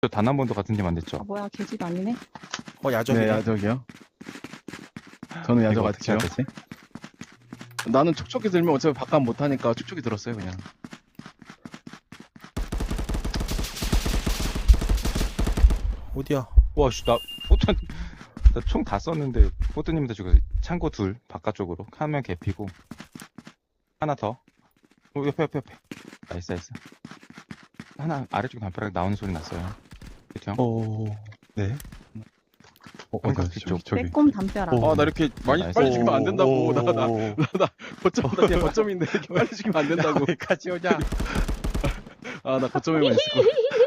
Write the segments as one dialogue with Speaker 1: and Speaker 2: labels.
Speaker 1: 단 한 번도 같은 팀 안 됐죠?
Speaker 2: 아 뭐야 계집 아니네?
Speaker 3: 야적이네.
Speaker 4: 네, 야적이요. 저는 야적
Speaker 1: 이거 어떻게 해야
Speaker 4: 같죠.
Speaker 1: 되지?
Speaker 4: 나는 촉촉이 들면 어차피 바깥 못하니까 촉촉이 들었어요, 그냥.
Speaker 3: 어디야?
Speaker 1: 와씨 나 포트 나총 다 썼는데 포트님한테 죽어서 창고 둘 바깥쪽으로 한 명 개피고 하나 더 옆에 나이스 하나 아래쪽 담벼락 나오는 소리 났어요. 그쵸?
Speaker 4: 네.
Speaker 1: 한각 뒤쪽
Speaker 2: 빼꼼 담벼락.
Speaker 4: 나 이렇게 많이
Speaker 1: 나이스.
Speaker 4: 빨리 죽이면 안 된다고. 나 거점, 나 거점인데 이렇게 빨리 죽이면 안 된다고.
Speaker 3: 여기까지 오냐?
Speaker 4: 나 거점에만 있을 거야.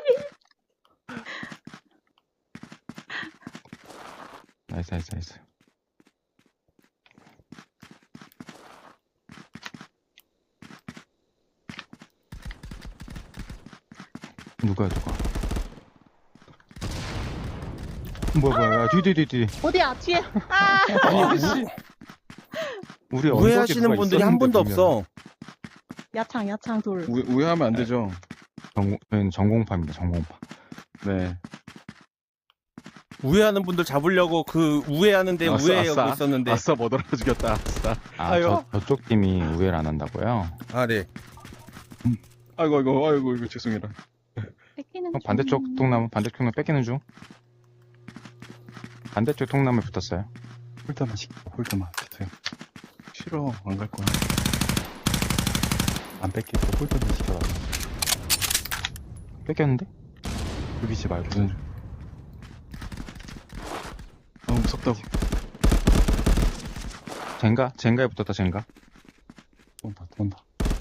Speaker 1: 나이스 누가 뭐야 뒤
Speaker 2: 어디야 뒤에?
Speaker 1: 우리
Speaker 3: 우회하시는
Speaker 1: 언덕에 누가
Speaker 3: 분들이 한
Speaker 1: 있었는데,
Speaker 3: 분도
Speaker 1: 분명히.
Speaker 3: 없어.
Speaker 2: 야창 돌.
Speaker 4: 우회하면 안 되죠.
Speaker 1: 저희는 전공파입니다. 전공파.
Speaker 4: 네.
Speaker 3: 우회하는 분들 잡으려고 그 우회하는데
Speaker 4: 아싸,
Speaker 3: 우회하고
Speaker 4: 아싸.
Speaker 3: 있었는데.
Speaker 4: 아싸, 못 알아 죽였다. 아싸.
Speaker 1: 아, 저쪽 팀이 우회를 안 한다고요?
Speaker 3: 아, 네.
Speaker 4: 아이고, 죄송해라.
Speaker 2: 뺏기는
Speaker 1: 반대쪽 통나무 뺏기는 중. 반대쪽 통나무에 붙었어요.
Speaker 4: 홀드만 시켜, 홀드만. 됐어요. 싫어, 안 갈 거야.
Speaker 1: 안 뺏기고 홀드만 시켜라. 뺏겼는데?
Speaker 4: 죽이지 말고. 너무 무섭다고.
Speaker 1: 젠가에 붙었다 젠가.
Speaker 4: 돈다.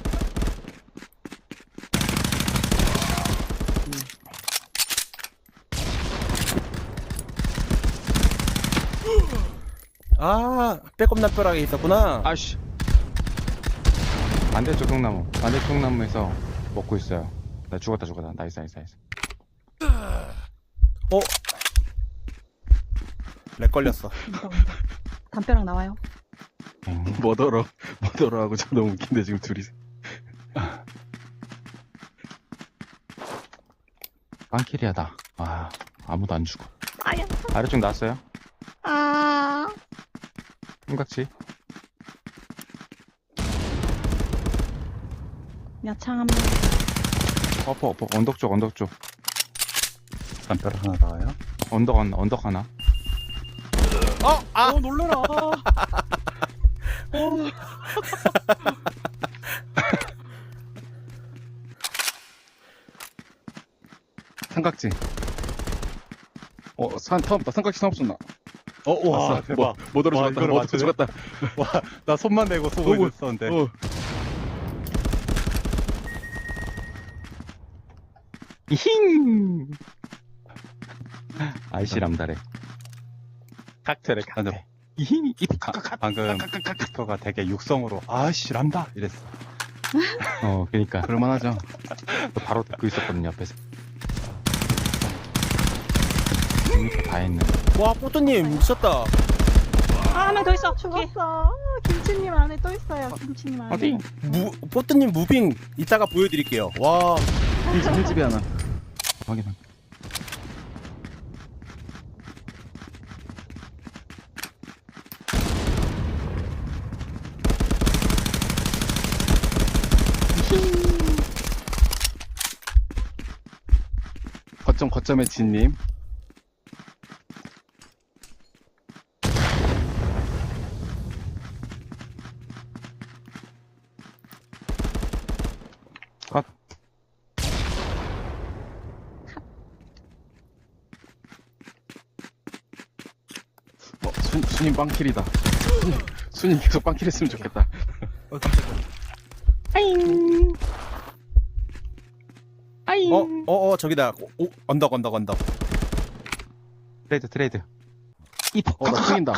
Speaker 3: 아, 빼꼼 납벼락에 있었구나.
Speaker 1: 아씨. 반대쪽 통나무에서 먹고 있어요. 나 죽었다. 나이스.
Speaker 3: 렉 걸렸어.
Speaker 2: 온다. 담벼락 나와요.
Speaker 4: 못 얼어 하고 저 너무 웃긴데, 지금 둘이.
Speaker 1: 빵키리하다. 아, 아무도 안 죽어.
Speaker 2: 아야.
Speaker 1: 아래쪽 나왔어요.
Speaker 2: 아.
Speaker 1: 삼각지.
Speaker 2: 야창 한 명.
Speaker 1: 엎어. 언덕 쪽.
Speaker 4: 담벼락 하나 나와요?
Speaker 1: 언덕 하나.
Speaker 2: 놀래라.
Speaker 4: 삼각지. 삼각지 사업 쏜다.
Speaker 5: 와,
Speaker 4: 아싸.
Speaker 5: 대박.
Speaker 4: 못 얼어
Speaker 5: 와,
Speaker 4: 죽었다.
Speaker 5: 이거를
Speaker 4: 못 얼어
Speaker 5: 맞추네?
Speaker 4: 죽었다.
Speaker 5: 와, 나 손만 대고 쏘고
Speaker 4: 어구,
Speaker 5: 있었는데.
Speaker 1: 힝. 아이씨 람다래.
Speaker 5: 칵테일에
Speaker 1: 근데
Speaker 5: 칵테일.
Speaker 1: 힝.
Speaker 5: 방금 빅터가 되게 육성으로 아씨 란다 이랬어.
Speaker 1: 그러니까
Speaker 4: 그럴만하죠.
Speaker 1: 바로 듣고 있었거든요 옆에서. 다 했네.
Speaker 3: 와, 뽀또님 미쳤다.
Speaker 2: 한 명 더 있어. 죽었어. 김치님 안에 또 있어요. 김치님 안에.
Speaker 1: 어디?
Speaker 3: 뽀또님 무빙 이따가 보여드릴게요. 와,
Speaker 4: 1집에 하나.
Speaker 1: 확인.
Speaker 4: 거점의 진님.
Speaker 1: 컷.
Speaker 4: 수님 빵킬이다. 수님 계속 빵킬 했으면 좋겠다.
Speaker 3: 저기다. 언덕.
Speaker 1: 트레이드.
Speaker 4: 나 튕긴다.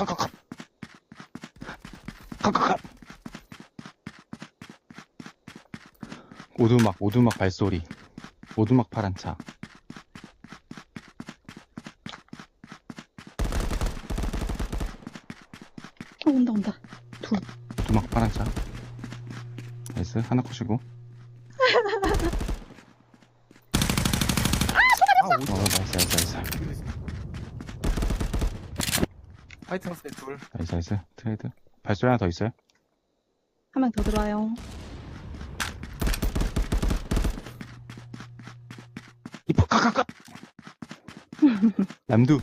Speaker 1: 오두막 발소리. 오두막 파란 차.
Speaker 2: 온다.
Speaker 1: 오두막 파란 차. 나이스. 하나 컷이고. 나이스.
Speaker 3: 화이트 하우스에 둘.
Speaker 1: 나이스. 트레이드. 발소리 하나 더 있어요?
Speaker 2: 한 명 더 들어와요.
Speaker 1: 이뻐, 깍깍깍! 람두.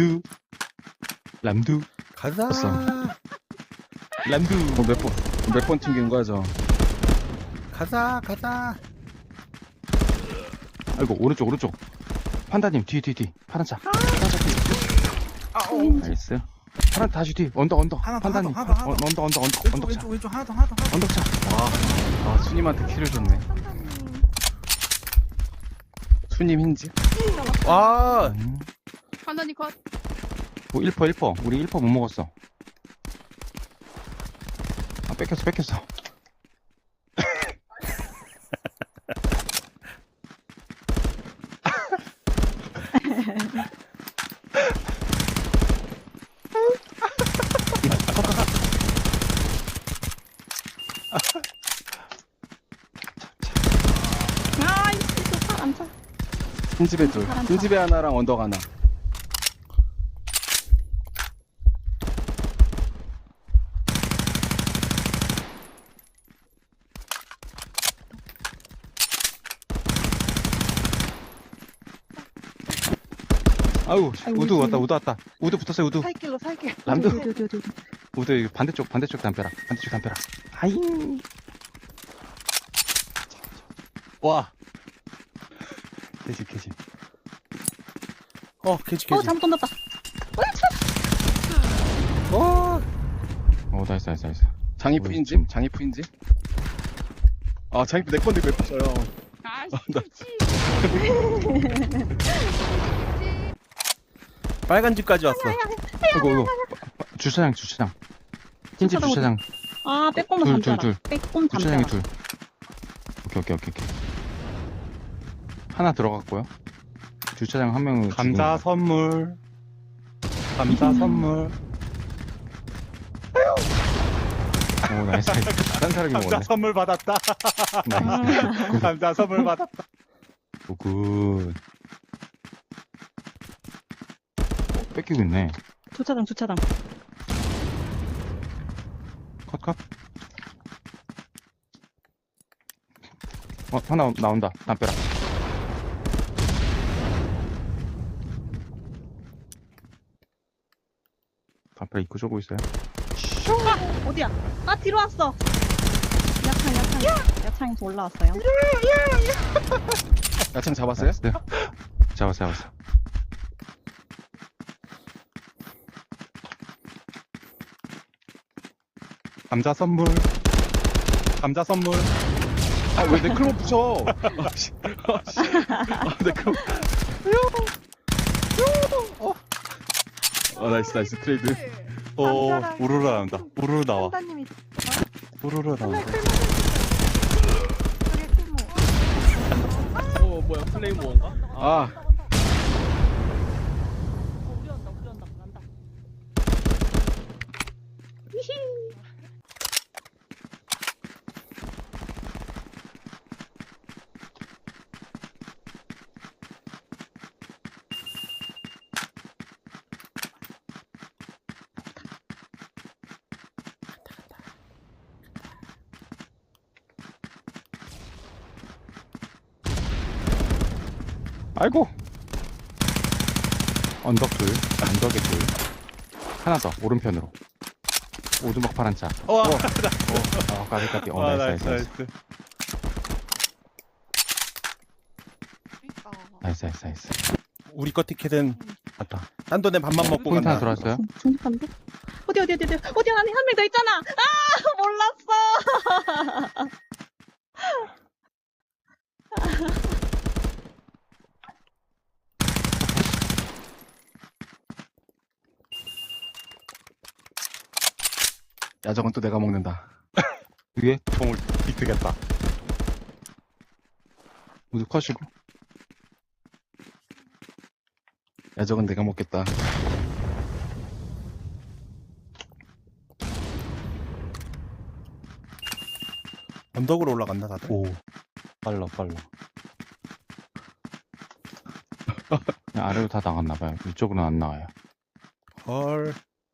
Speaker 3: 가자.
Speaker 1: 됐어. 람두.
Speaker 4: 몇 번 튕기는 거야 저.
Speaker 3: 가자.
Speaker 1: 아이고, 오른쪽. 판다님, 뒤. 파란 차. 나이스. 파란 다시 뒤. 언덕. 판다님.
Speaker 3: 하나 더.
Speaker 1: 언덕 차.
Speaker 3: 왼쪽 하나 더.
Speaker 1: 언덕 차.
Speaker 4: 아 수님한테 키를 줬네. 수님 힌지.
Speaker 3: 와.
Speaker 6: 판단이 컷.
Speaker 1: 오, 1퍼. 우리 1퍼 못 먹었어. 아, 뺏겼어.
Speaker 2: 아이씨, 저 파란 차.
Speaker 4: 흰집에 둘.
Speaker 2: 사람
Speaker 4: 흰집에 하나랑 언덕 하나.
Speaker 1: 아유,
Speaker 2: 아이고,
Speaker 1: 우드 왔다. 우드 붙었어요, 우드.
Speaker 2: 살길.
Speaker 1: 람도.
Speaker 2: 어디.
Speaker 1: 우드, 이거 반대쪽 담벼락. 아잉.
Speaker 5: 와. 캐지.
Speaker 3: 개지.
Speaker 2: 잘못 던졌다.
Speaker 1: 오, 나이스.
Speaker 4: 장이프
Speaker 1: 어이,
Speaker 4: 힌지.
Speaker 1: 좀.
Speaker 4: 장이프 힌지. 아 장이프 내 건데 왜 붙여요?
Speaker 6: 아씨.
Speaker 3: 빨간 집까지 왔어.
Speaker 1: 이거. 주차장. 흰집 주차장.
Speaker 2: 아, 빼꼼은
Speaker 1: 둘,
Speaker 2: 잠자라.
Speaker 1: 둘.
Speaker 2: 빼꼼
Speaker 1: 주차장에
Speaker 2: 잠자라.
Speaker 1: 둘. 오케이. 하나 들어갔고요. 주차장 한 명은
Speaker 5: 감자 선물.
Speaker 1: 오, 나이스. 다른 사람이
Speaker 5: 감자
Speaker 1: 먹었네.
Speaker 5: 선물 받았다.
Speaker 1: 나이스.
Speaker 5: 감자 선물 받았다.
Speaker 1: 오, 굿. 뺏기고 있네.
Speaker 2: 주차장.
Speaker 1: 컷. 하나 나온다. 담벼락. 담벼락 입구 쪼고 있어요.
Speaker 2: 어디야? 아, 뒤로 왔어. 야창에서 올라왔어요.
Speaker 4: 야창 잡았어요?
Speaker 1: 나이스. 잡았어.
Speaker 5: 감자 선물.
Speaker 4: 아 왜 내 클럽 붙여? 아씨. 내 클럽. 나이스 트레이드.
Speaker 5: 오,
Speaker 2: 감자랑
Speaker 5: 우르르 나온다. 우르르 나와.
Speaker 2: 판다님이
Speaker 5: 우르르 나와.
Speaker 7: 뭐야 플레이모어인가?
Speaker 4: 아
Speaker 2: 우리 온다. 난다.
Speaker 1: 아이고. 언덕에 둘. 하나 더. 오른편으로. 오두막 파란 차.
Speaker 5: 와.
Speaker 1: 까비.
Speaker 5: 와,
Speaker 1: 나이스. 나이스.
Speaker 3: 우리 거 티켓은
Speaker 5: 맞다.
Speaker 3: 딴 돈에 밥만 먹고
Speaker 1: 포인트 하나
Speaker 3: 간다.
Speaker 1: 들어왔어요.
Speaker 2: 중립한데? 어디 안에 한 명 더 있잖아. 아, 몰랐어.
Speaker 4: 야적은 또 내가 먹는다.
Speaker 1: 위에
Speaker 5: 공을 비트겠다.
Speaker 1: 우두 컷이고.
Speaker 4: 야적은 내가 먹겠다.
Speaker 3: 언덕으로 올라간다 다들.
Speaker 5: 오. 빨라.
Speaker 1: 그냥 아래로 다 나갔나봐요. 이쪽으로는 안 나와요.
Speaker 3: 헐.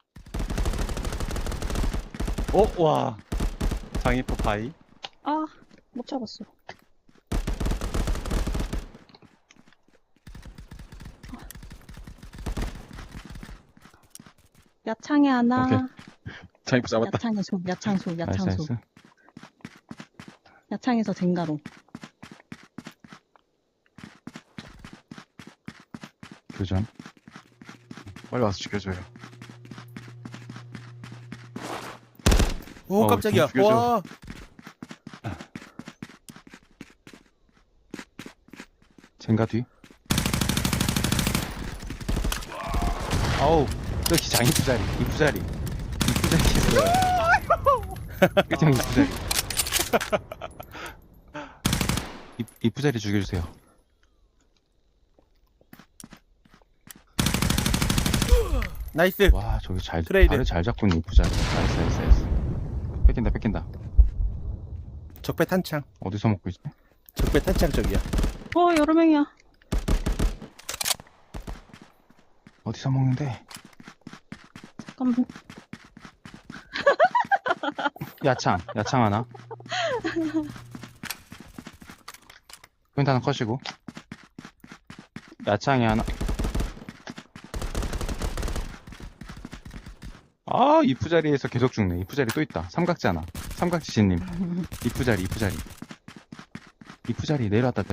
Speaker 5: 와. 장이프 바이.
Speaker 2: 아, 못 잡았어. 야창에 하나.
Speaker 4: 오케이. 장이프 잡았다.
Speaker 2: 야창에 소, 야창소,
Speaker 1: 나이스,
Speaker 2: 야창소.
Speaker 1: 나이스.
Speaker 2: 야창에서 젠가로.
Speaker 1: 교전.
Speaker 4: 빨리 와서 죽여줘요.
Speaker 3: 오, 깜짝이야.
Speaker 4: 좀 죽여줘.
Speaker 3: 와.
Speaker 1: 젠가 뒤. 아우, 저기 장이프 자리, 이프 자리. 이프 자리 있어요. 그냥 이프 자리. 이프 자리 죽여주세요.
Speaker 3: 나이스.
Speaker 1: 와, 저기
Speaker 3: 트레이드.
Speaker 1: 발을 잘 잡고 이프 자리. 나이스, 나이스, 나이스. 뺏긴다, 뺏긴다.
Speaker 3: 적배 탄창.
Speaker 1: 어디서 먹고 있지?
Speaker 3: 적배 탄창 쪽이야.
Speaker 2: 여러 명이야.
Speaker 1: 어디서 먹는데?
Speaker 2: 잠깐만.
Speaker 1: 야창 하나. 포인트 하나 컷이고. 야창이 하나. 아, 이프 자리에서 계속 죽네. 이프 자리 또 있다. 삼각지 하나. 삼각지신님. 이프 자리. 이프 자리 내려왔다.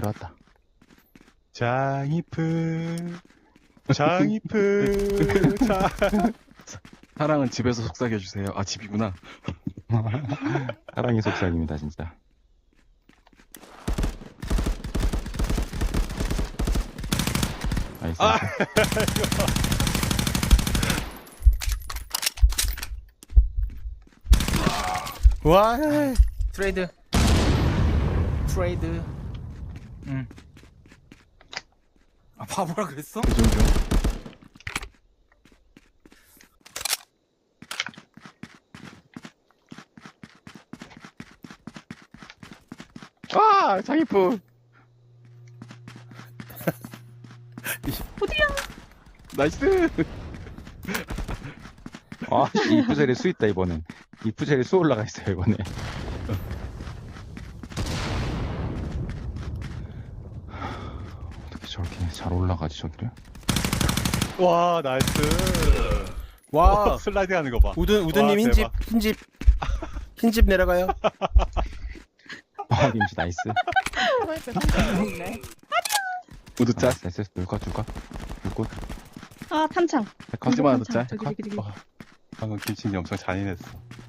Speaker 5: 장이프. 장이프.
Speaker 4: 사랑은 집에서 속삭여주세요. 아, 집이구나.
Speaker 1: 사랑의 속삭입니다, 진짜. 나이스.
Speaker 3: 와. 트레이드. 아, 바보라 그랬어?
Speaker 4: 교전 중.
Speaker 1: 아, 장이프.
Speaker 4: 나이스!
Speaker 1: 아, 씨, 이프 자리에 수 있다, 이번엔. 이프 자리에 수 올라가 있어요, 이번에. 어떻게 저렇게 잘 올라가지, 저기를?
Speaker 5: 와, 나이스.
Speaker 3: 와.
Speaker 5: 슬라이딩 하는 거 봐.
Speaker 3: 우드님
Speaker 5: 와,
Speaker 3: 흰집,
Speaker 5: 대박.
Speaker 3: 흰집 내려가요.
Speaker 1: 아, 김치 나이스.
Speaker 4: 모두 짜.
Speaker 1: 나이스, 둘컷.
Speaker 2: 아, 탄창.
Speaker 4: 하지마, 너 짜.
Speaker 2: 저기.
Speaker 5: 방금 김치님 엄청 잔인했어.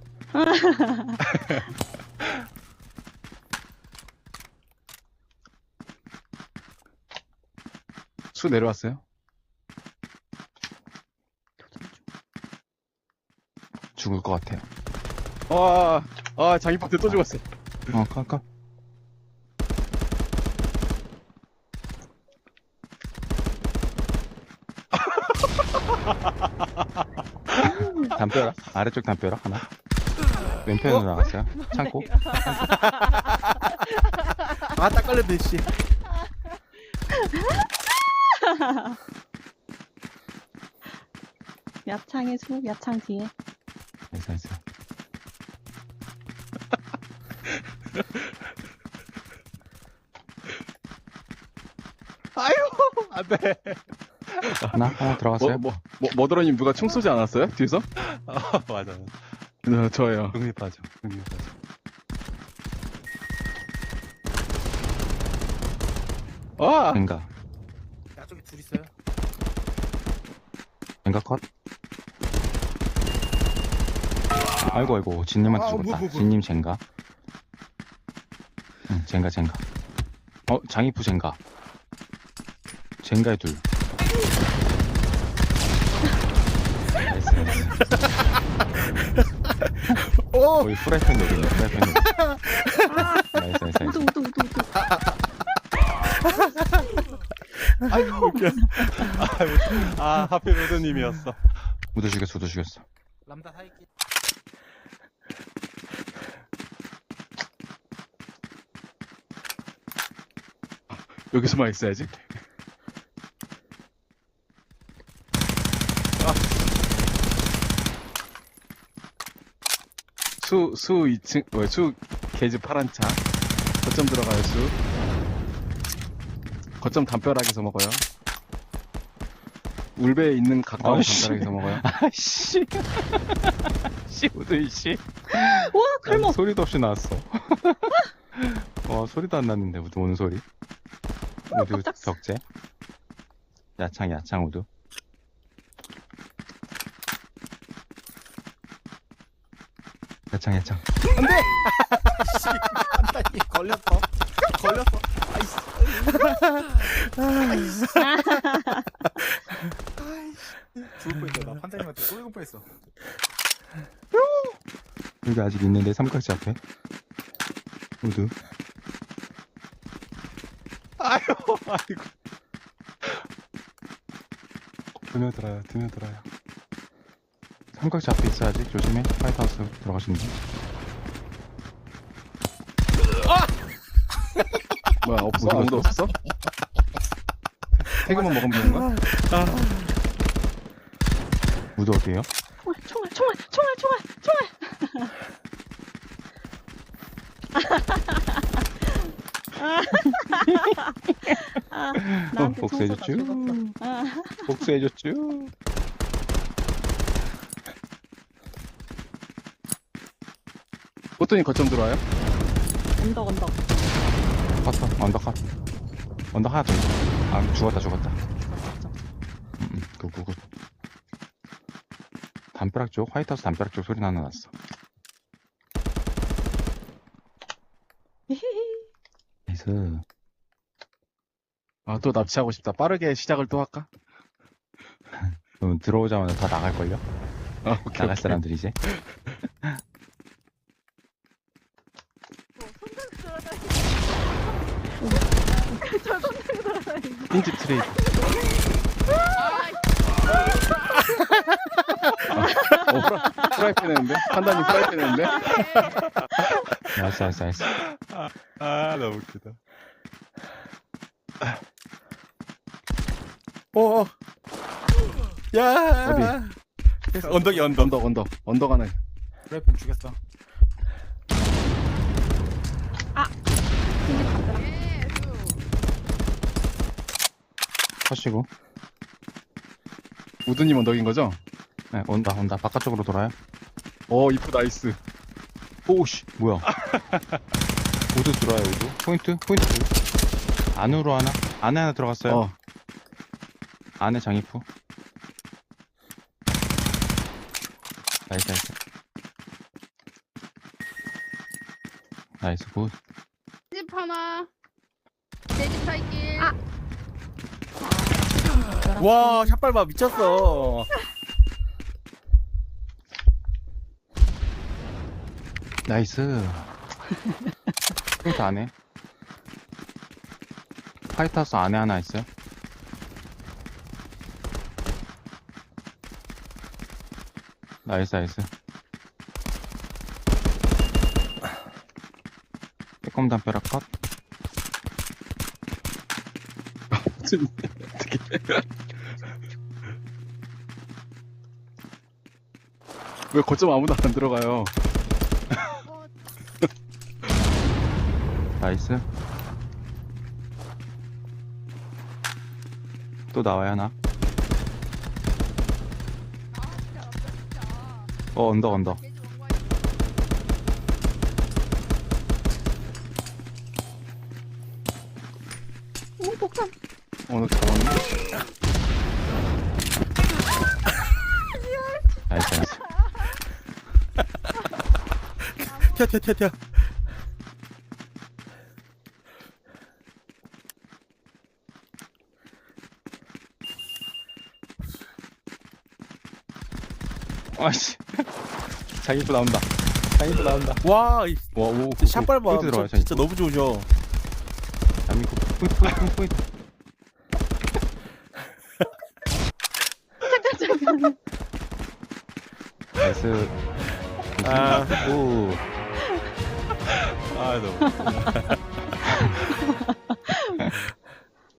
Speaker 4: 수 내려왔어요?
Speaker 1: 죽을 것 같아요.
Speaker 4: 장이프한테 또 죽었어.
Speaker 1: 컷. 담벼락, 아래쪽 담벼락 하나. 왼편으로 나갔어요. 창고.
Speaker 3: 아, 딱 걸렸네, 씨.
Speaker 2: 야창에 소, 야창 뒤에.
Speaker 1: 나이스.
Speaker 5: 안 돼.
Speaker 1: 하나 들어갔어요.
Speaker 4: 머더러님 누가 총 쏘지 않았어요? 뒤에서?
Speaker 5: 맞아.
Speaker 4: 저예요.
Speaker 5: 흥미빠져.
Speaker 1: 젠가.
Speaker 3: 야쪽에 둘 있어요.
Speaker 1: 젠가 컷. 아이고, 진님한테
Speaker 3: 아,
Speaker 1: 죽었다.
Speaker 3: 뭐.
Speaker 1: 진님 젠가. 응, 젠가. 장이프 젠가. 젠가의 둘. 나이스.
Speaker 3: 오.
Speaker 1: 거의 프라이팬 노리네, 나이스.
Speaker 2: 우드.
Speaker 3: 아이고, 웃겨.
Speaker 5: 아, 하필 로드님이었어.
Speaker 1: 우드 죽였어.
Speaker 3: 람다 사이키.
Speaker 4: 여기서만 있어야지. 수 2층 수 게이지 파란 차. 거점 들어가요 수. 거점 담벼락에서 먹어요. 울베에 있는 가까운
Speaker 1: 아이씨.
Speaker 4: 담벼락에서 먹어요.
Speaker 1: 아씨. 씨, 우드, 씨.
Speaker 2: 와, 칼목.
Speaker 1: 소리도 없이 나왔어. 소리도 안 났는데, 우드 오는 소리. 우드
Speaker 2: 깜짝스.
Speaker 1: 격제. 야창, 우드. 야창.
Speaker 3: 씨, 판단이 걸렸어.
Speaker 7: 죽을 뻔했다. 나 판장님한테 쏠릴 뻔했어.
Speaker 1: 여기 아직 있는데, 삼각지 앞에. 우드.
Speaker 5: 아이고.
Speaker 1: 드며들어요. 삼각지 앞에 있어야지. 조심해. 화이트하우스 들어가시는 분.
Speaker 4: 뭐야 없어? 아무도 없어? 태그만 먹으면 되는 거야?
Speaker 1: 우드 어디에요?
Speaker 2: 총알. 나한테
Speaker 1: 복수해줬죠?
Speaker 2: 총 쏘다 죽었어.
Speaker 1: 복수해줬죠?
Speaker 4: 보통이 거점 들어와요?
Speaker 2: 언덕.
Speaker 1: 언덕 하나 더 있어. 아, 죽었다. 굿. 담벼락 쪽, 화이트하우스 담벼락 쪽 소리 하나 났어. 나이스.
Speaker 4: 아 또 납치하고 싶다. 빠르게 시작을 또 할까?
Speaker 1: 그럼 들어오자마자 다 나갈걸요?
Speaker 4: 아 오케이.
Speaker 1: 나갈 사람들이 이제. 흰집 트레이드.
Speaker 4: 프라이팬 했는데? 판단님 프라이팬 했는데?
Speaker 1: 나이스.
Speaker 5: 아, 너무 웃기다.
Speaker 3: 야. 언덕이 언덕.
Speaker 4: 언덕 하나.
Speaker 7: 프라이팬 죽였어.
Speaker 6: 예,
Speaker 1: 컷이고.
Speaker 4: 우드님 언덕인 거죠?
Speaker 1: 네, 온다. 바깥쪽으로 돌아요.
Speaker 4: 이프 나이스.
Speaker 1: 오씨, 뭐야. 우드 들어와요, 우드. 포인트 둘. 안으로 하나? 안에 하나 들어갔어요. 안에 장이프. 나이스, 굿.
Speaker 6: 집 하나. 내집 살길.
Speaker 3: 와, 샷발봐 미쳤어.
Speaker 1: 나이스. 포인트 안에. 화이트하우스 안에 하나 있어요. 나이스. 빼꼼 담벼락 컷.
Speaker 4: 왜 거점 아무도 안 들어가요?
Speaker 1: 나이스. 또 나와야 하나? 언덕.
Speaker 2: 오, 폭탄.
Speaker 4: 오늘 잡았네.
Speaker 1: 나이스.
Speaker 3: 튀어.
Speaker 1: 아씨. 장이프 나온다.
Speaker 3: 와,
Speaker 1: 오.
Speaker 3: 샷발봐.
Speaker 1: 포인트 들어와요,
Speaker 3: 진짜 너무 좋으셔.
Speaker 1: 장이프 포인트.
Speaker 2: 잠깐.
Speaker 1: 나이스.
Speaker 3: 아.
Speaker 1: 오.
Speaker 5: 아, 너무 웃기다.